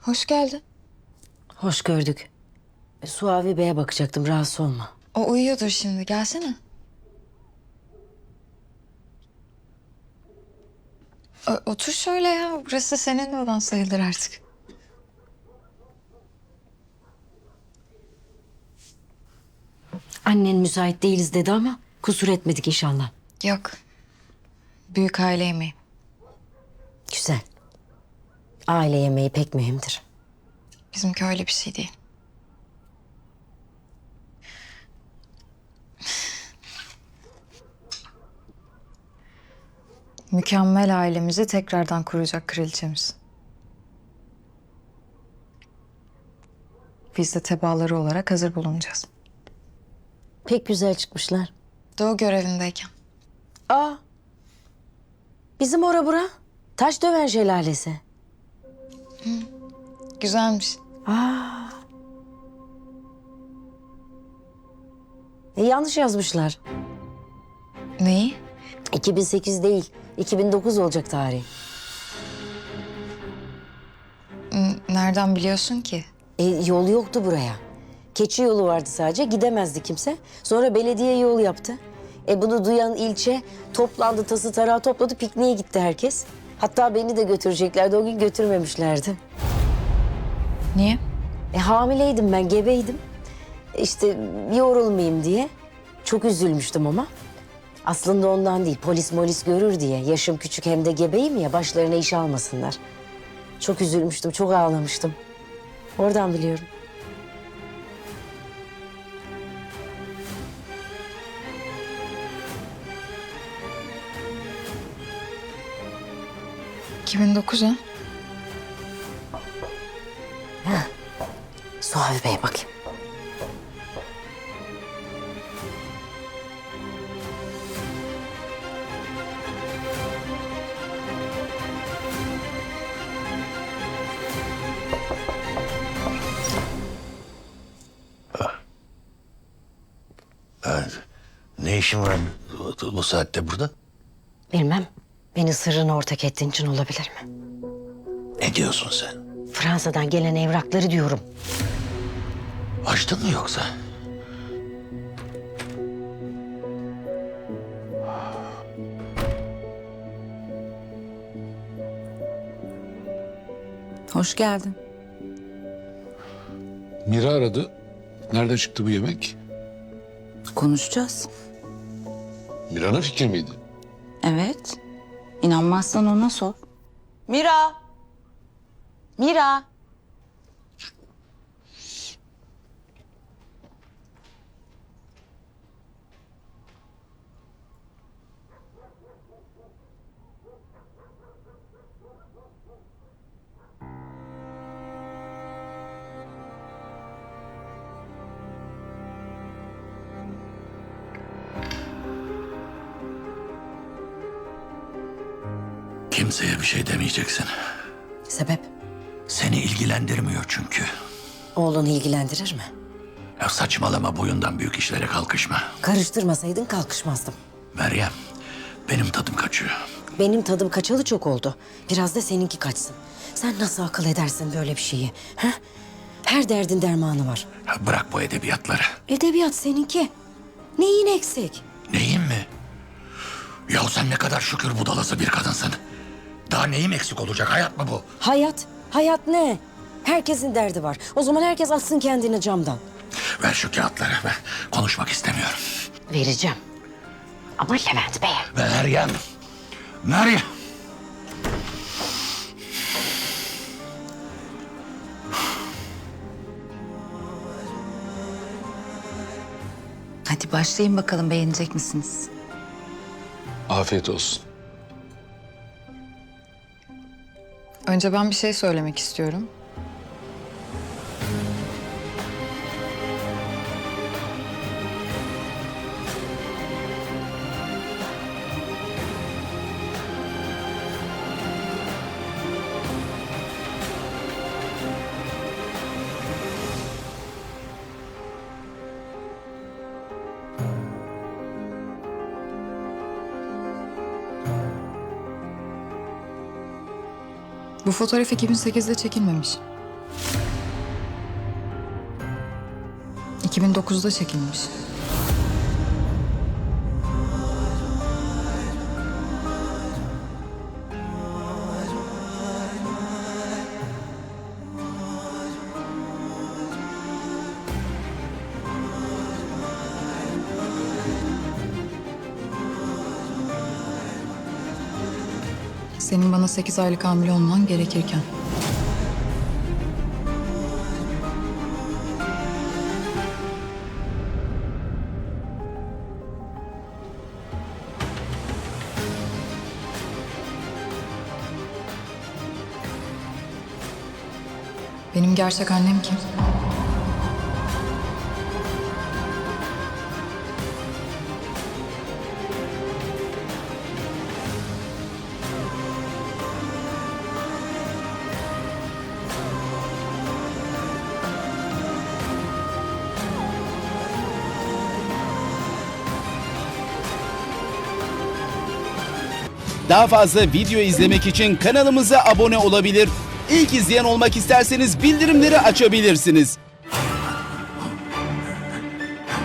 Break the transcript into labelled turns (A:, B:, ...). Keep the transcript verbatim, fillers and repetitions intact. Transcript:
A: Hoş geldin.
B: Hoş gördük. E, Suavi Bey'e bakacaktım, rahatsız olma.
A: O uyuyordur şimdi. Gelsene. O- otur şöyle ya. Burası senin de odan sayılır artık.
B: Annen müsait değiliz dedi ama kusur etmedik inşallah.
A: Yok. Büyük aile yemeği.
B: Güzel. Aile yemeği pek mühimdir.
A: Bizimki öyle bir şey değil. Mükemmel ailemizi tekrardan kuracak kraliçemiz. Biz de tebaaları olarak hazır bulunacağız.
B: Pek güzel çıkmışlar.
A: Doğu görevindeyken.
B: Aa, bizim ora bura. Taş döven şelalesi.
A: Güzelmiş.
B: Aa. E, yanlış yazmışlar.
A: Neyi?
B: iki bin sekiz değil, iki bin dokuz olacak tarih.
A: N- Nereden biliyorsun ki?
B: E, yol yoktu buraya. Keçi yolu vardı sadece, gidemezdi kimse. Sonra belediye yol yaptı. E bunu duyan ilçe toplandı, tası tarağı topladı, pikniğe gitti herkes. Hatta beni de götüreceklerdi, o gün götürmemişlerdi.
A: Niye?
B: E hamileydim ben, gebeydim. E, İşte yorulmayayım diye. Çok üzülmüştüm ama. Aslında ondan değil, polis molis görür diye. Yaşım küçük hem de gebeyim ya, başlarına iş almasınlar. Çok üzülmüştüm, çok ağlamıştım. Oradan biliyorum.
A: iki bin dokuz ha?
B: Suavi Bey'e bakayım.
C: Evet. Ne işin var bu, bu saatte burada?
B: Bilmem, beni sırrına ortak ettiğin için olabilir mi?
C: Ne diyorsun sen?
B: Fransa'dan gelen evrakları diyorum.
C: Açtın mı yoksa?
D: Hoş geldin.
E: Mira aradı. Nerede çıktı bu yemek?
D: Konuşacağız.
E: Mira'nın fikri miydi?
D: Evet. İnanmazsan ona sor. Mira! Mira!
C: Kimseye bir şey demeyeceksin.
B: Sebep?
C: Seni ilgilendirmiyor çünkü.
B: Oğlunu ilgilendirir mi?
C: Ya saçmalama, boyundan büyük işlere kalkışma.
B: Karıştırmasaydın kalkışmazdım.
C: Meryem, benim tadım kaçıyor.
B: Benim tadım kaçalı çok oldu. Biraz da seninki kaçsın. Sen nasıl akıl edersin böyle bir şeyi? Ha? Her derdin dermanı var.
C: Ya bırak bu edebiyatları.
B: Edebiyat seninki. Neyin eksik?
C: Neyim mi? Ya sen ne kadar şükür budalası bir kadınsın. Daha neyim eksik olacak, hayat mı bu?
B: Hayat. Hayat ne? Herkesin derdi var. O zaman herkes atsın kendini camdan.
C: Ver şu kağıtları, ben konuşmak istemiyorum.
B: Vereceğim. Ama Levent Bey'e.
C: Meryem, Meryem.
D: Hadi başlayın bakalım, beğenecek misiniz?
E: Afiyet olsun.
A: Önce ben bir şey söylemek istiyorum. Bu fotoğraf iki bin sekizde çekilmemiş. iki bin dokuzda çekilmiş. Senin bana sekiz aylık hamile olman gerekirken. Benim gerçek annem kim?
F: Daha fazla video izlemek için kanalımıza abone olabilir. İlk izleyen olmak isterseniz bildirimleri açabilirsiniz.